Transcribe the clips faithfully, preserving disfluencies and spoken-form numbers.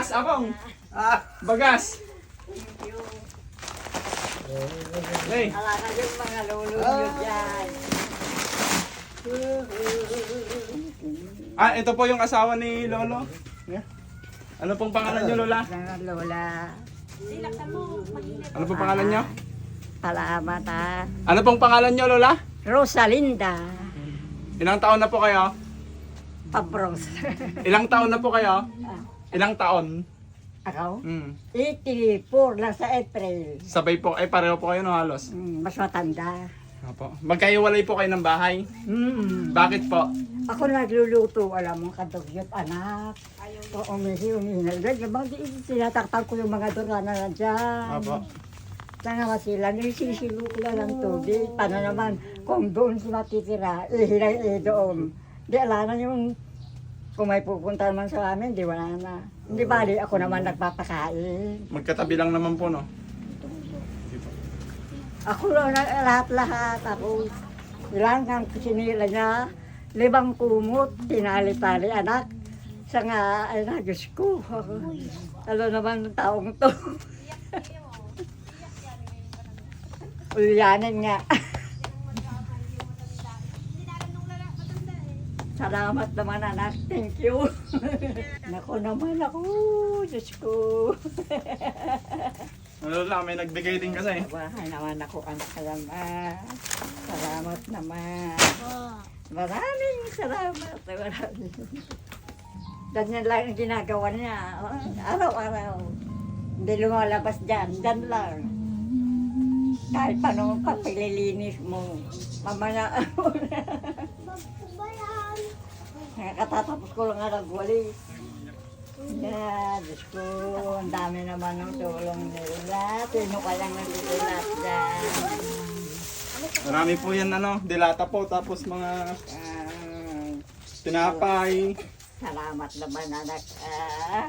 Bagas, akong. Ah, Bagas. Thank you. Hey. Ala na yung mga lulunod dyan. Ah, ito po yung asawa ni Lolo. Yeah. Ano pong pangalan niyo, Lola? Mga lola. Ano pong pangalan niyo? Salamat ha. Ano pong pangalan niyo, Lola? Rosalinda. Ilang taon na po kayo? Pabros. Ilang taon na po kayo? Ilang taon? Ako? Hmm. eighty-four lang sa April. Sabay po, ay pareho po kayo no halos. Mm, mas matanda. Opo. Magkaiwalay po kayo ng bahay? Mm. Bakit po? Ako nagluluto, alam mo, kadugyot anak. O umihi, umihinal. Ganyan, mga tinatakpan ko yung mga durana na dyan. Opo. Tanga sila, nisisilo ko lang ng tubig. Paano naman, kung doon sila titira, ihilay eh doon. Di ala na yung, kung may pupunta naman sa amin, di wala na. Hindi bali, ako naman nagpapakain. Magkatabi lang naman po no? Ako lang na lahat-lahat. Ako, ilang ang sinila niya, libang kumot, tinali-tali anak. Sa nga, ay na, Diyos ko. Ano naman ang taong to. Ulyanin nga. Salamat naman anak, thank you. Nako naman ako, Diyos ko. Ano lang, may nagbigay din kasi. Bahay naman ako anak salamat. Salamat naman. Maraming salamat. Maraming. Ganyan lang ang ginagawa niya. Araw-araw. Hindi lumalabas dyan. Dyan lang. Kahit paano pagpililinis mo. Mamaya Nakatatapos ko lang nga nagwalis. Yeah, Diyos ko, ang dami naman ng tulong nila. Sino ka lang nagsilat dyan? Marami po yan ano, dilata po, tapos mga Ah, tinapay. salamat naman anak. Ah.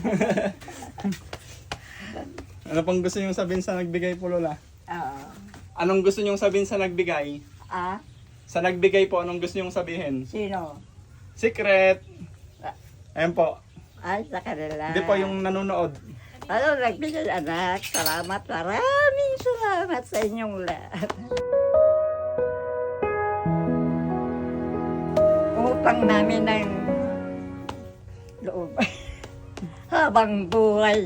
Ano pang gusto niyong sabihin sa nagbigay po, Lola? Oo. Anong gusto niyong sabihin sa nagbigay? Ah, Sa nagbigay po, anong gusto niyong sabihin? sino? Secret! Ayan po. Ay, sa kanila. Hindi po yung nanonood. Ano, nagbigay anak. Salamat, maraming salamat sa inyong lahat. Utang namin ng loob. Habang buhay.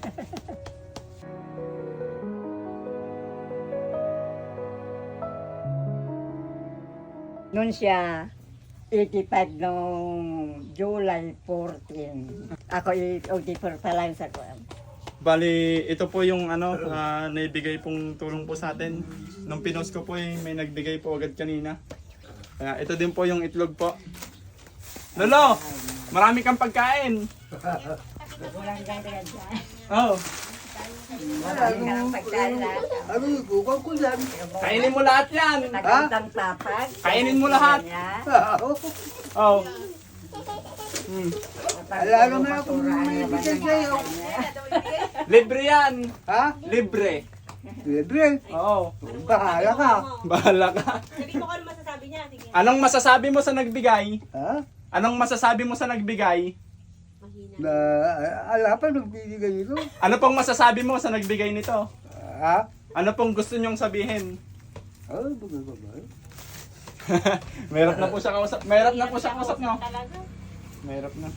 Noon siya, eighty-five noong July fourteen. Ako eighty-four pa lang sa kuwan. Bali, ito po yung ano, ah, naibigay pong tulong po sa atin. Nung pinost ko po, eh, may nagbigay po agad kanina. Kaya ito din po yung itlog po. Lolo! Marami kang pagkain! Walang gagawin dyan. Oh, Marami ka ng pagkain lahat. ano, bukal ko yan. kainin mo lahat yan! Nagandang tapag. Kainin mo lahat. Oh. Hmm. Wala naman akong may bigay sa'yo. Libre yan! Ha? Libre! Libre. Oo. Bahala ka. Bahala ka. Sabihin mo kung ano masasabi niya. Sige. Anong masasabi mo sa nagbigay? Ha? Anong masasabi mo sa nagbigay? Mahina. Na, ala pa nagbibigay ito. Ano pong masasabi mo sa nagbigay nito? Ha? Ano pong gusto nyong sabihin? Oh, bagay bagay. Mahirap na po siya kausap. Mahirap na po siya kausap nyo. Talaga. Mahirap na.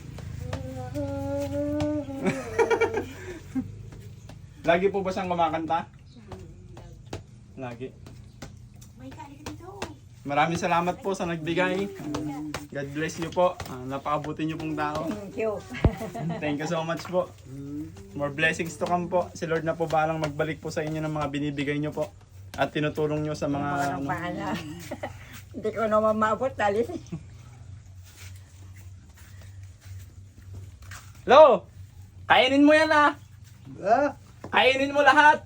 Lagi po ba siyang kumakanta? Lagi. May kali ka dito. Maraming salamat po sa nagbigay. God bless you po. Ah, napakabuti niyo pong tao. Thank you. Thank you so much po. More blessings to come po. Si Lord na po balang magbalik po sa inyo ng mga binibigay niyo po. At tinutulong niyo sa mga... Mga ano, paala. Hindi ko naman maabot. Dali. Lo! Kainin mo yan ah! Ha? Kainin mo lahat!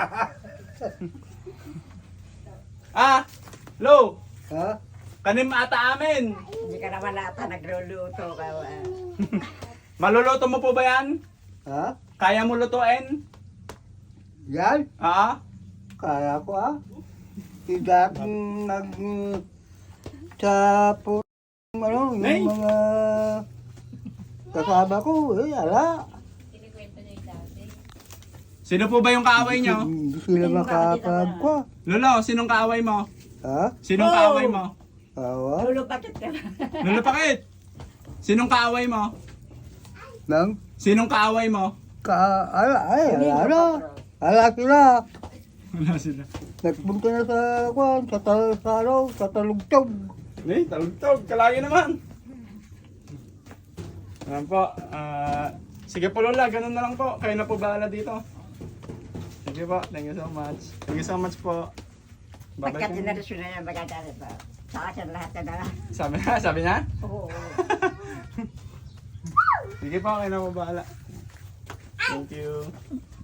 ah! Lo! Ha? Kanin ata amin! Hindi ka naman ata nagluluto ka. ah. Maluluto mo po ba yan? Ha? Kaya mo lutuin? Yan? Ah? Kaya ko ah. Hindi akong nag... Sa po... Ano, yung Nay! mga... Kasama ko, eh, ala. Sino po ba yung kaaway nyo? Hindi sila Hindi makakapag ko. Lolo, sinong kaaway mo? Ha? Sinong Oh! kaaway mo? Awa? Lolo, bakit ka? Lolo, bakit? Sinong kaaway mo? Nang Sinong kaaway mo? ka... Ala, ay, Domingo, ala. patro. Ala sila. Wala sila. Nagpunta na sa kwan, sa tal sa ano, sa talugtog. Eh, talog-tog. Kalagi naman. Ayan po. ah, sige po Lola, ganun na lang po. Kayo na po bahala dito. Sige po. Thank you so much. Thank you so much po. Bye-bye Pagka po. tinarisyon na yung magandang ba? Sa akin lahat na dala. Sabi na, sabi niya? Oo. Sige po, kayo na po bahala. Thank you.